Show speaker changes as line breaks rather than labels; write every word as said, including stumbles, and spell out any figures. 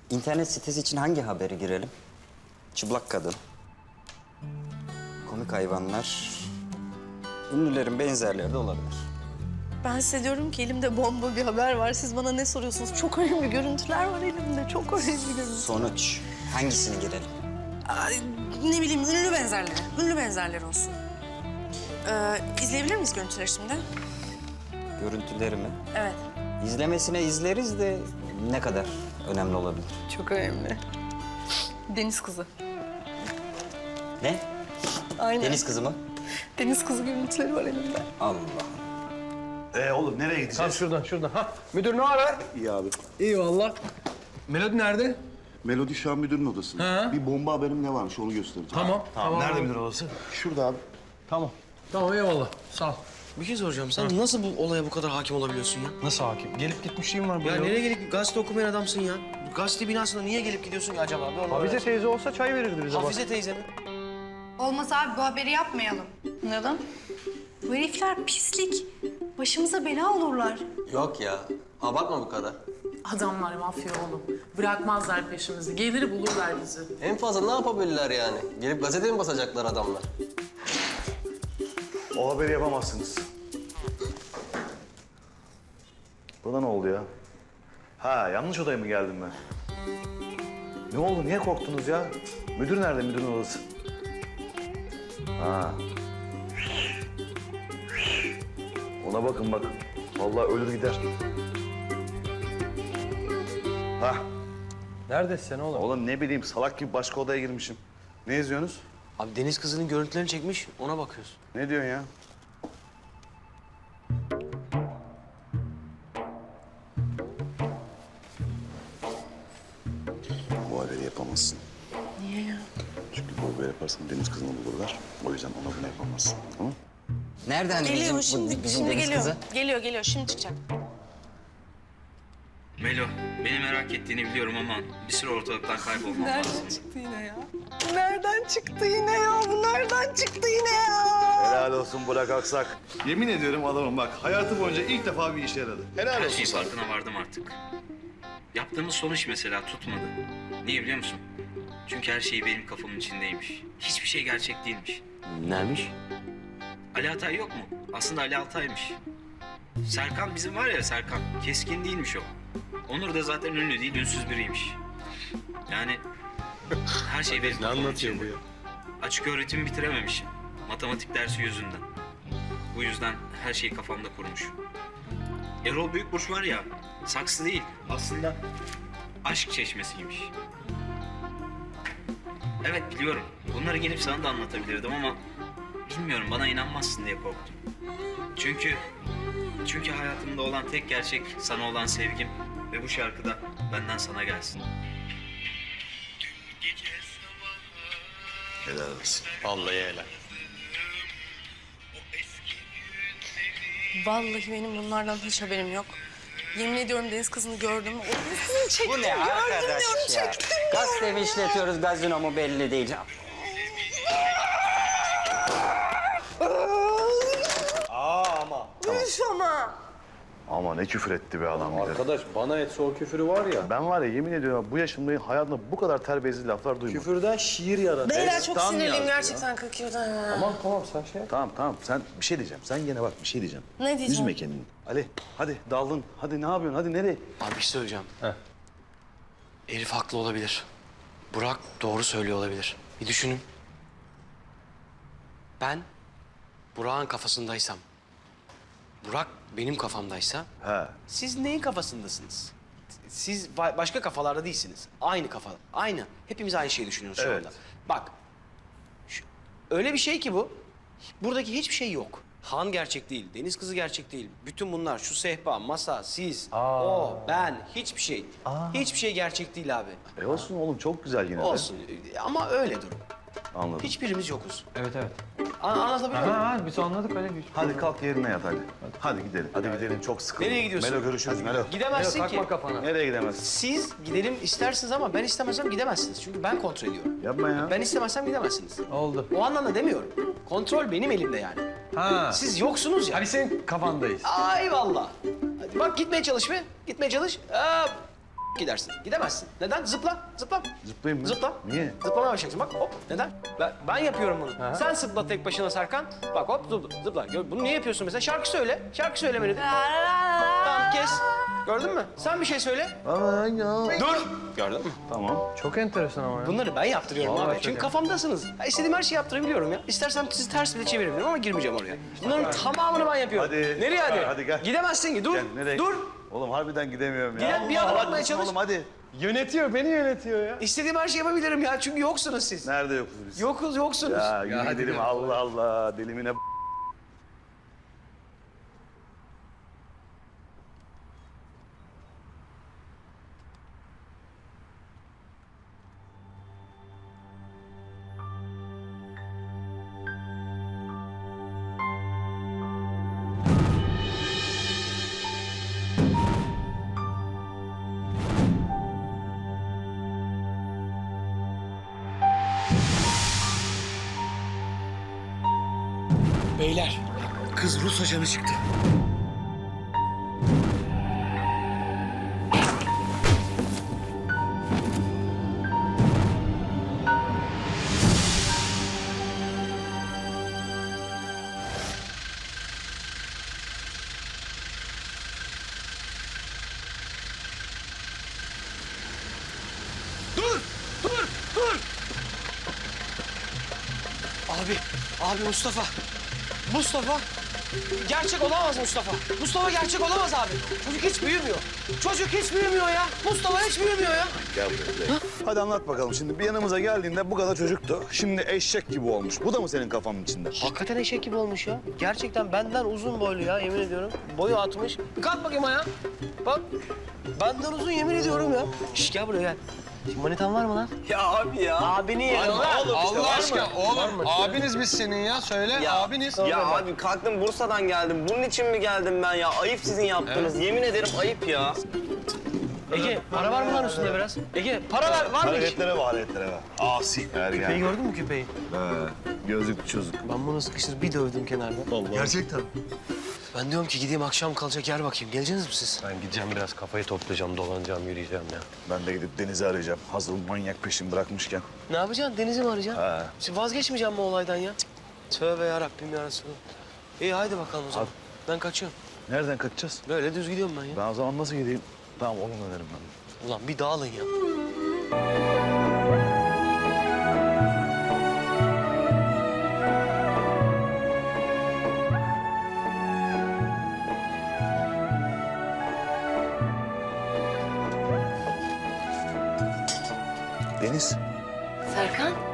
İnternet sitesi için hangi haberi girelim? Çıplak kadın. Komik hayvanlar. Ünlülerin benzerleri de olabilir.
Ben size diyorum ki elimde bomba bir haber var. Siz bana ne soruyorsunuz? Çok önemli görüntüler var elimde. Çok önemli görüntüler.
Sonuç. Hangisini girelim?
Ay, ne bileyim ünlü benzerleri. Ünlü benzerleri olsun. Ee, izleyebilir miyiz görüntüleri şimdi?
Görüntüleri mi?
Evet.
İzlemesine izleriz de ne kadar önemli olabilir?
Çok önemli. Deniz kızı.
Ne?
Aynen.
Deniz kızı mı?
Deniz kızı görüntüleri var elimde.
Allah.
Ee oğlum nereye
Tam
gideceğiz?
şuradan, şuradan. Ha, müdür ne haber?
İyi abi.
İyi valla. Melodi nerede?
Melodi şu an müdürün odasında.
Ha.
Bir bomba haberim ne varmış onu göstereceğim.
Tamam, tamam.
Nerede müdür odası? Şurada abi.
Tamam. Tamam, eyvallah. Sağ ol.
Bir şey soracağım. Sen nasıl bu olaya bu kadar hakim olabiliyorsun ya?
Nasıl hakim? Gelip gitmişliğim var buraya.
Ya nereye gelip gazete okumayan adamsın ya? Gazete binasına niye gelip gidiyorsun ki acaba? Bir onu
Hafize
öğren.
teyze olsa çay verirdi bize.
Hafize teyze mi?
Olmaz abi bu haberi yapmayalım.
Neden?
Bu herifler pislik. Başımıza bela olurlar.
Yok ya. Abartma bu kadar.
Adamlar mafya oğlum. Bırakmazlar peşimizi. Gelir bulurlar bizi.
En fazla ne yapabilirler yani? Gelip gazete mi basacaklar adamlar?
O haberi yapamazsınız. Buna ne oldu ya? Ha yanlış odaya mı geldim ben? Ne oldu? Niye korktunuz ya? Müdür nerede? Müdürün odası. Ha. Ona bakın bak. Vallahi ölür gider. Ha.
Neredesin sen oğlum?
Oğlum ne bileyim salak gibi başka odaya girmişim. Ne izliyorsunuz?
Abi deniz kızının görüntülerini çekmiş. Ona bakıyoruz.
Ne diyorsun ya? Bu haberi yapamazsın.
Niye ya?
Çünkü bu haberi yaparsan deniz kızını bulurlar. O yüzden ona bunu yapamazsın. Tamam?
Nereden
Geliyor
bizim,
şimdi,
bu, bizim
şimdi
deniz
geliyor.
kızı?
Geliyor, geliyor. Şimdi çıkacak.
Melo, beni merak ettiğini biliyorum ama bir süre ortalıktan kaybolmam lazım.
Nereden çıktı yine ya? Nereden çıktı yine ya? Bu nereden çıktı yine ya?
Helal olsun Burak Aksak. Yemin ediyorum adamım bak hayatı boyunca ilk defa bir işe yaradı. Helal
Her
olsun
şeyin
sana.
farkına vardım artık. Yaptığımız son iş mesela tutmadı. Niye biliyor musun? Çünkü her şey benim kafamın içindeymiş. Hiçbir şey gerçek değilmiş.
Neymiş?
Ali Altay yok mu? Aslında Ali Altay'mış. Serkan bizim var ya Serkan. Keskin değilmiş o. Onur da zaten ünlü değil, ünsüz biriymiş. Yani her şey benim kafamın içinde. Açık öğretimi bitirememişim. Matematik dersi yüzünden. Bu yüzden her şeyi kafamda kurmuş. Erol Büyükburç var ya, saksı değil. Aslında aşk çeşmesiymiş. Evet biliyorum. Bunları gelip sana da anlatabilirdim ama bilmiyorum bana inanmazsın diye korktum. Çünkü çünkü hayatımda olan tek gerçek sana olan sevgim ve bu şarkı da benden sana gelsin.
Helal olsun.
Vallahi helal.
Vallahi benim bunlardan hiç haberim yok. Yemin ediyorum deniz kızını gördüm. O deniz kızını çektim,
Bu ne
gördüm
arkadaş
diyorum,
ya?
çektim.
Gazete mi işletiyoruz, gazino mu belli değil.
Üf ama.
Ama ne küfür etti be adam bir de.
Arkadaş bana etse o küfürü var ya.
Ben var ya yemin ediyorum bu yaşımda hayatımda bu kadar terbiyesiz laflar duymadım.
Küfürden şiir yaratır.
Beyler çok
Destan
sinirliyim
yazdı ya.
gerçekten Kırkıyor'dan ya.
Tamam tamam sen şey yap.
Tamam tamam sen bir şey diyeceğim. Sen gene bak bir şey diyeceğim.
Ne diyeceğim?
Üzme kendini. Ali hadi daldın. Hadi ne yapıyorsun? Hadi nereye?
Abi bir şey söyleyeceğim.
Heh.
Elif haklı olabilir. Burak doğru söylüyor olabilir. Bir düşünün. Ben Burak'ın kafasındaysam, Burak benim kafamdaysa,
He.
siz neyin kafasındasınız? Siz ba- başka kafalarda değilsiniz. Aynı kafa, aynı. Hepimiz aynı şeyi düşünüyoruz şu
Evet.
anda. Bak, şu- öyle bir şey ki bu, buradaki hiçbir şey yok. Han gerçek değil, Deniz kızı gerçek değil. Bütün bunlar, şu sehpa, masa, siz, o, ben, hiçbir şey. Hiçbir şey gerçek değil abi.
E olsun oğlum çok güzel yine de.
Olsun ama öyle durum.
Anladım.
Hiçbirimiz yokuz.
Evet evet.
An- anlatabiliyor muyum?
Ha, ha biz anladık öyle.
Hadi kalk yerine yat hadi. Hadi gidelim. Hadi gidelim çok sıkıldım.
Nereye gidiyorsun?
Melo görüşürüz Melo.
Gidemezsin
Takma
ki.
kafana.
Nereye gidemezsin?
Siz gidelim istersiniz ama ben istemezsem gidemezsiniz. Çünkü ben kontrol ediyorum.
Yapma ya.
Ben istemezsem gidemezsiniz.
Oldu.
O anlamda demiyorum. Kontrol benim elimde yani.
Ha.
Siz yoksunuz ya.
Hani senin kafandayız.
Ay vallahi. Hadi bak gitmeye çalış be. Gitmeye çalış. Aa, gidersin. Gidemezsin. Neden? Zıpla, zıpla.
Zıplayayım mı?
Zıpla.
Niye?
Zıplamaya başlayacaksın. Bak hop. Neden? Ben, ben yapıyorum bunu. Sen zıpla tek başına Serkan. Bak hop zıpla. zıpla. Gör- Bunu niye yapıyorsun mesela? Şarkı söyle. Şarkı söylemeni. Tamam kes. Gördün mü? Sen bir şey söyle.
Aman ya.
Dur. Gördün mü?
Tamam.
Çok enteresan ama ya.
Bunları ben yaptırıyorum
Vallahi
abi.
çok
Çünkü
iyi.
kafamdasınız. Ya istediğim her şeyi yaptırabiliyorum ya. İstersem sizi ters bile çevirebilirim ama girmeyeceğim oraya. Bunların tamamını ben yapıyorum.
Hadi.
Nereye hadi?
Hadi gel.
Gidemezsin ki. Dur.
Gel, nereye?
Dur.
Oğlum harbiden gidemiyorum ya.
Gidem, bir adım atmaya çalış.
Oğlum hadi.
Yönetiyor, beni yönetiyor ya.
İstediğim her şeyi yapabilirim ya. Çünkü yoksunuz siz.
Nerede yokuz biz?
Yokuz, yoksunuz.
Ya yürü gidelim Allah Allah. Delimine b-
Beyler, kız Rus ajanı çıktı. Dur! Dur! Dur! Abi, abi Mustafa. Mustafa. Gerçek olamaz Mustafa. Mustafa gerçek olamaz abi. Çocuk hiç büyümüyor. Çocuk hiç büyümüyor ya. Mustafa hiç büyümüyor ya.
Gel buraya. gel. Hadi anlat bakalım. Şimdi bir yanımıza geldiğinde bu kadar çocuktu. Şimdi eşek gibi olmuş. Bu da mı senin kafanın içinde?
Hakikaten eşek gibi olmuş ya. Gerçekten benden uzun boylu ya yemin ediyorum. Boyu atmış. Bir kalk bakayım ayağa. Bak. Benden uzun yemin ediyorum ya. Şş gel buraya gel. Şimdi manitan var mı lan?
Ya abi ya.
Abini yerim lan.
Allah aşkına oğlum abiniz biz senin ya söyle abiniz. Ya abi kalktım Bursa'dan geldim. Bunun için mi geldim ben ya? Ayıp sizin yaptığınız. Yemin ederim ayıp ya.
Ege para var mı lan üstünde biraz? Ege para ver, var mı hiç?
Hareketlere bak, hareketlere bak. Asi.
Küpeyi
Ergen.
gördün mü küpeyi?
He. Gözlük çocuk.
Ben bunu sıkıştırıp bir dövdüm kenarda.
Gerçekten.
Ben diyorum ki gideyim akşam kalacak yer bakayım. Geleceksiniz mi siz?
Ben gideceğim biraz kafayı toplayacağım, dolanacağım, yürüyeceğim ya.
Ben de gidip Deniz'i arayacağım. Hazır manyak peşimi bırakmışken.
Ne yapacaksın? Deniz'i mi arayacaksın?
He.
Siz vazgeçmeyeceğim mi olaydan ya? Cık, tövbe yarabbim ya Resulallah. İyi haydi bakalım o zaman. Ben kaçıyorum.
Nereden kaçacağız?
Böyle düz gidiyorum ben ya.
Ben o zaman nasıl gideyim? Tamam onun önerim ben.
Ulan bir dağılın ya.
Deniz.
Serkan,